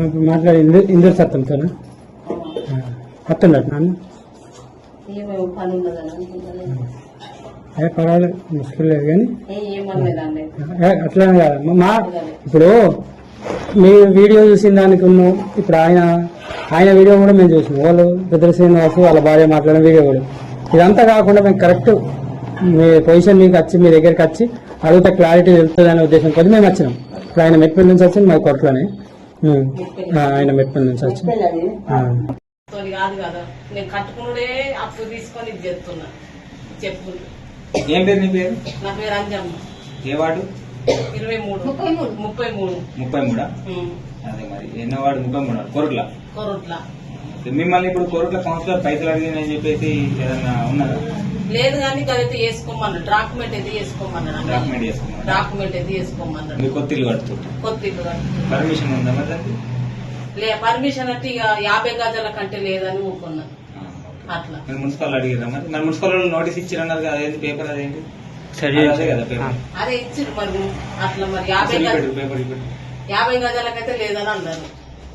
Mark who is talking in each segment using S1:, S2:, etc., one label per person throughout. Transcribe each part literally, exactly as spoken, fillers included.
S1: మాట్లాడి ఇందరు సత్తంతో వస్తున్నట్టు నాన్న అదే పర్వాలేదు ముష్కిల్ లేదు కానీ అట్లనే కాదమ్మా మా ఇప్పుడు మీ వీడియో చూసిన దానికి ఉన్నాం ఇప్పుడు ఆయన ఆయన వీడియో కూడా మేము చూసినాం వాళ్ళు పెద్ద శ్రీనివాసు వాళ్ళ భార్య మాట్లాడిన వీడియో కూడా ఇదంతా కాకుండా మేము కరెక్ట్ మీ పొజిషన్ మీకు వచ్చి మీ దగ్గరికి వచ్చి అడిగితే క్లారిటీ తెలుస్తుంది అనే ఉద్దేశం కొద్ది మేము వచ్చినాం ఇప్పుడు ఆయన మెట్పల్లి నుంచి వచ్చింది మా కొట్లోనే ఆయన మెట్పల్లి నుంచి వచ్చి
S2: కాదు కదా నేను కట్టుకున్నాడే అప్పు తీసుకొని ఇది చేస్తున్నా చెప్పు
S3: ఏం పేరు నీ పేరు?
S2: నా పేరు అంజమ్మ.
S3: ఏ వార్డు?
S2: ఇరవై మూడు ముప్పై మూడు ముప్పై మూడు
S3: ముప్పై మూడా? అదే మరి ఎన్నో వార్డు? ముప్పై మూడు కొరట్ల
S2: కొరట్ల.
S3: మిమ్మల్ని ఇప్పుడు కొరట్ల కౌన్సిలర్ పైసలు అడిగిన చెప్పేసి ఏదన్నా ఉన్నదా?
S2: లేదు కానీ అదైతే వేసుకోమన్నాడు డాక్యుమెంట్ అయితే వేసుకోమన్నాడు
S3: డాక్యుమెంట్ వేసుకోమన్నాడు
S2: డాక్యుమెంట్ అయితే వేసుకోమన్నాడు.
S3: మీరు కొత్త ఇల్లు కడుతుంటారు?
S2: కొత్త ఇల్లు కడుతుంది.
S3: పర్మిషన్ ఉందా మరి దానికి?
S2: లే పర్మిషన్ అంటే ఇక యాభై గజాల కంటే లేదని ఊరుకున్నా అట్లా.
S3: మీరు మున్సిపల్ అడిగిరా మరి? మరి మున్సిపల్ నోటీస్ ఇచ్చిరన్నారు కదా, అదేంటి పేపర్ అదేంటి? అదే కదా పేపర్.
S2: అదే ఇచ్చిరు మరి అట్లా మరి యాభై
S3: పేపర్
S2: యాభై గజాలకైతే లేదని అన్నారు.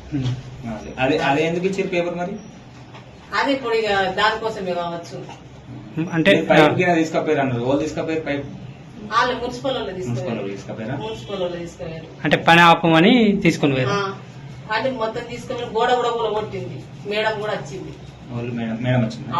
S3: అదే అదే ఎందుకు ఇచ్చారు పేపర్ మరి?
S2: అది ఇప్పుడు ఇక దానికోసమే కావచ్చు.
S3: అంటే పైప్ కింద తీసుకపోయారు అన్నారు. వాళ్ళు తీసుకపోయారు పైప్?
S2: వాళ్ళు మున్సిపల్ వాళ్ళు తీసుకుపోయారు.
S3: మున్సిపల్
S2: వాళ్ళు తీసుకుపోయారు.
S1: అంటే పని ఆపమని తీసుకుని పోయారు.
S2: అంటే మొత్తం తీసుకుని గోడ కూడా కూడా కొట్టింది. మేడం కూడా వచ్చింది.
S3: మేడం వచ్చింది.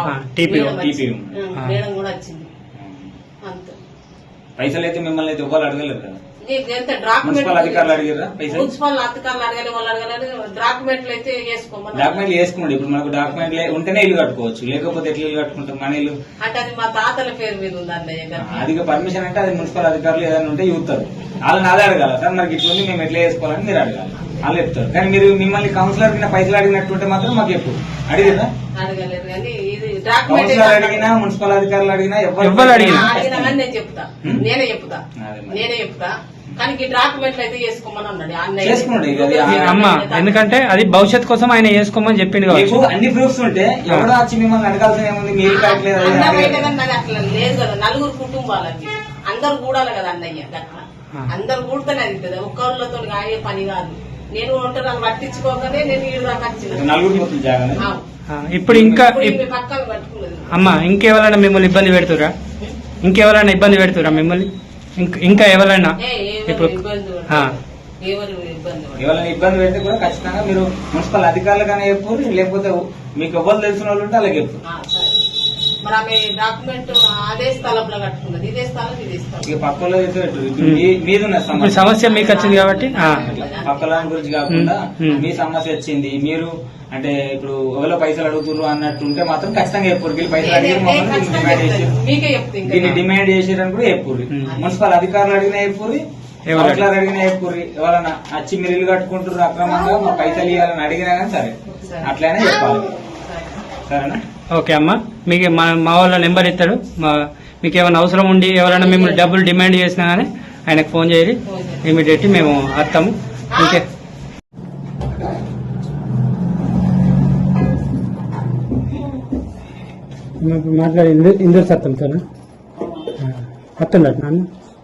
S2: మేడం కూడా వచ్చింది. అంతే.
S3: పైసలు అయితే మిమ్మల్ని అయితే ఇవ్వాలి అడగలేదు కదా?
S2: మున్సిపల్
S3: అధికారులు అడిగారా పైసలు?
S2: మున్సిపల్ అధికారులు అడగాలి, వాళ్ళు అడగాలి. డాక్యుమెంట్లు అయితే వేసుకోమని.
S3: డాక్యుమెంట్లు వేసుకోండి. ఇప్పుడు మనకు డాక్యుమెంట్ ఉంటేనే ఇల్లు కట్టుకోవచ్చు, లేకపోతే ఎట్లా ఇల్లు కట్టుకుంటాం? మన ఇల్లు
S2: అంటే అది మా తాతల పేరు మీద ఉంది అన్నయ్య.
S3: అది పర్మిషన్ అంటే అది మున్సిపల్ అధికారులు ఏదైనా ఉంటే చూస్తారు. వాళ్ళని అదే అడగాల సార్ మనకి ఇట్లా ఉంది మేము ఎట్లా చేసుకోవాలని మీరు అడగాలి. వాళ్ళు చెప్తారు. కానీ మీరు మిమ్మల్ని కౌన్సిలర్ కింద పైసలు అడిగినట్టుంటే మాత్రం మాకు ఎప్పుడు అడిగిరా?
S2: అడగలేదు కానీ
S3: కౌన్సిలర్ అడిగినా మున్సిపల్ అధికారులు అడిగినా ఎవరు
S2: అడిగినా కానీ నేను చెప్తా, నేనే చెప్తా నేనే చెప్తా కానీ ఈ డాక్యుమెంట్లు అయితే చేసుకోమని అన్నాడు
S1: అమ్మ. ఎందుకంటే అది భవిష్యత్ కోసం ఆయన చేసుకోమని చెప్పింది కావచ్చు.
S3: అన్ని ప్రూఫ్స్ ఉంటే ఎవరో వచ్చి మిమ్మల్ని అడగాల్సిన ఏముంది? మీరు
S2: అట్లా లేదు కదా. నలుగురు కుటుంబాలకి అందరు కూడాలి కదా అన్నయ్య. అట్లా అందరు కూడితేనే అది కదా, ఒక్కళ్ళతో అయ్యే పని కాదు. నేను ఉంటే నన్ను పట్టించుకోగానే నేను ఈ దాకా వచ్చిన.
S1: ఇప్పుడు ఇంకా
S2: పక్కన పట్టుకున్నది.
S1: అమ్మ ఇంకెవరైనా మిమ్మల్ని ఇబ్బంది పెడుతురా? ఇంకెవరైనా ఇబ్బంది పెడుతురా మిమ్మల్ని? ఇంకా ఎవరైనా ఇప్పుడు
S3: ఎవరైనా ఇబ్బంది పెడితే కూడా ఖచ్చితంగా మీరు మున్సిపల్ అధికారులుగానే చెప్పు, లేకపోతే మీకు ఎవరు తెలిసిన వాళ్ళు ఉంటే అలాగే చెప్పు.
S2: మరి ఆమె డాక్యుమెంట్ అదే స్థలంలో కట్టుకున్నది, ఇదే స్థలం ఇదే స్థలం.
S3: ఇక పక్కలో మీదున్న
S1: సమస్య మీకు వచ్చింది కాబట్టి
S3: పక్కల గురించి కాకుండా మీ సమస్య వచ్చింది, మీరు అంటే ఇప్పుడు ఎవరో పైసలు అడుగుతున్నారు అన్నట్టు ఉంటే మాత్రం ఖచ్చితంగా చెప్పు. పైసలు అడిగి డిమాండ్ చేసారు, దీన్ని డిమాండ్ చేసారని కూడా చెప్పు. మున్సిపల్ అధికారులు అడిగినా చెప్పుర్రి, కౌన్సిలర్ అడిగినా చెప్పుర్రి. ఎవరైనా వచ్చి మీరు ఇల్లు కట్టుకుంటారు అక్రమంగా మా పైసలు ఇవ్వాలని అడిగినా కానీ సరే అట్లనే చెప్పాలి. సరేనా?
S1: ఓకే అమ్మ. మీకు మా మా వాళ్ళ నెంబర్ ఇస్తాడు. మా మీకు ఏమైనా అవసరం ఉండి ఎవరైనా మిమ్మల్ని డబ్బులు డిమాండ్ చేసినా కానీ ఆయనకు ఫోన్ చేయాలి. ఇమీడియట్ మేము వస్తాము. ఇంకే మాట్లాడి ఇందరు సత్తంతో వస్తున్నట్టు నాన్న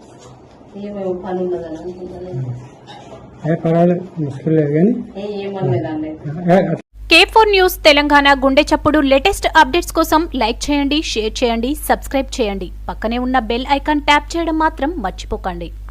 S1: అదే పర్వాలేదు ముష్కిల్ లేదు కానీ
S4: కే ఫోర్ న్యూస్ తెలంగాణ గుండె చప్పుడు లేటెస్ట్ అప్డేట్స్ కోసం లైక్ చేయండి, షేర్ చేయండి, సబ్స్క్రైబ్ చేయండి. పక్కనే ఉన్న బెల్ ఐకాన్ ట్యాప్ చేయడం మాత్రం మర్చిపోకండి.